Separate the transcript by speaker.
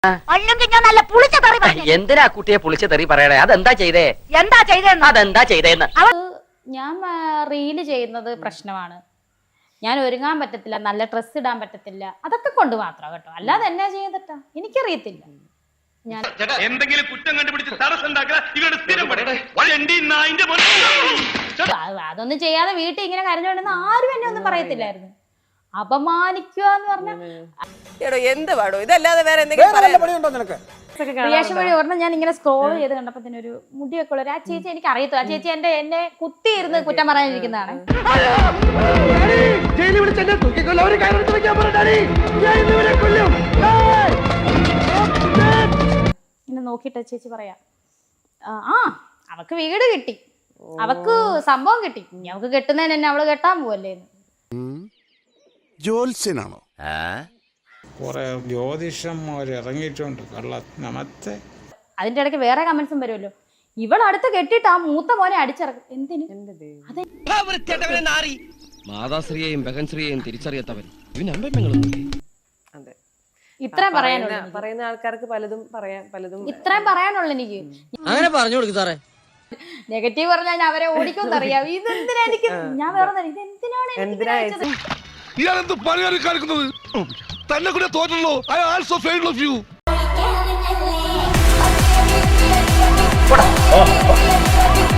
Speaker 1: അല്ലെങ്കിൽ ഞാൻ നല്ല പുളിച്ച തെറി പറഞ്ഞു.
Speaker 2: എന്തിനാ കുട്ടിയെ പുളിച്ച തെറി പറയണേ? അതെന്താ ചെയ്തേ?
Speaker 1: എന്താ ചെയ്തേന്ന്?
Speaker 2: അതെന്താ ചെയ്തേന്ന്?
Speaker 3: ഞാൻ റീല് ചെയ്യുന്നത് പ്രശ്നമാണ്. ഞാൻ ഒരുങ്ങാൻ പറ്റത്തില്ല, നല്ല ഡ്രസ്സ് ഇടാൻ പറ്റത്തില്ല, അതൊക്കെ കൊണ്ട് മാത്രം കേട്ടോ. അല്ലാതെ എന്നാ ചെയ്തിട്ടാ എനിക്കറിയത്തില്ല. ഞാൻ
Speaker 4: എന്തെങ്കിലും കുറ്റം കണ്ടുപിടിച്ച്
Speaker 3: അതൊന്നും ചെയ്യാതെ വീട്ടിൽ ഇങ്ങനെ കരഞ്ഞോണ്ടെന്ന് ആരും എന്നെ ഒന്നും പറയത്തില്ലായിരുന്നു. അപമാനിക്കുക എന്ന് പറഞ്ഞാൽ
Speaker 5: എന്ത് പാടോ ഇതല്ലാതെ വേറെ എന്തെങ്കിലും
Speaker 3: റിയാക്ഷൻ വഴി ഓർമ്മ ഞാൻ ഇങ്ങനെ സ്ക്രോൾ ചെയ്ത് കണ്ടപ്പോ തന്നെ ഒരു മുടിയൊക്കെ ഉള്ള ആ ചേച്ചി എനിക്ക് അറിയത്തില്ല. ആ ചേച്ചി എന്നെ കുത്തിയിരുന്ന് കുറ്റം പറയാനിരിക്കുന്നതാണ്. ഇങ്ങനെ നോക്കിയിട്ട് ചേച്ചി പറയാ, ആ അവക്ക് വീട് കിട്ടി, അവക്ക് സംഭവം കിട്ടി, അവക്ക് കെട്ടുന്നതിന് എന്നെ അവള് കെട്ടാൻ പോവല്ലേ.
Speaker 6: ജോത്സ്യനാണോ?
Speaker 7: കുറെ ജ്യോതിഷന്മാർ ഇറങ്ങിയിട്ടുണ്ട് കള്ള നമത്തെ.
Speaker 3: അതിന്റെ ഇടയ്ക്ക് വേറെ കമന്റ്സും വരുമല്ലോ. ഇവളടുത്ത് കെട്ടിട്ട് ആ മൂത്ത മോനെ അടിച്ചിറക്കും. എന്തിന്?
Speaker 8: മാതാശ്രീയെയും ബഹൻശ്രീയെയും തിരിച്ചറിയാത്തവൻ
Speaker 3: ഇത്രയും പറയാനുള്ളൂ.
Speaker 5: പറയുന്ന ആൾക്കാർക്ക് പലതും പറയാൻ
Speaker 3: ഇത്രയും പറയാനുള്ളൂ എനിക്ക്.
Speaker 2: അങ്ങനെ പറഞ്ഞു കൊടുക്കും സാറേ.
Speaker 3: നെഗറ്റീവ് പറഞ്ഞാൽ അവരെ ഓടിക്കുമെന്ന് അറിയാം. ഇതെന്തിനാ എനിക്ക്, ഞാൻ വേറെ ഇതെന്തിനാണ്
Speaker 6: ഇയാളെന്ത് പണിയാണ് കാണിക്കുന്നത്? തന്നെ കൂടെ തോന്നുള്ളൂ. I also fail of U.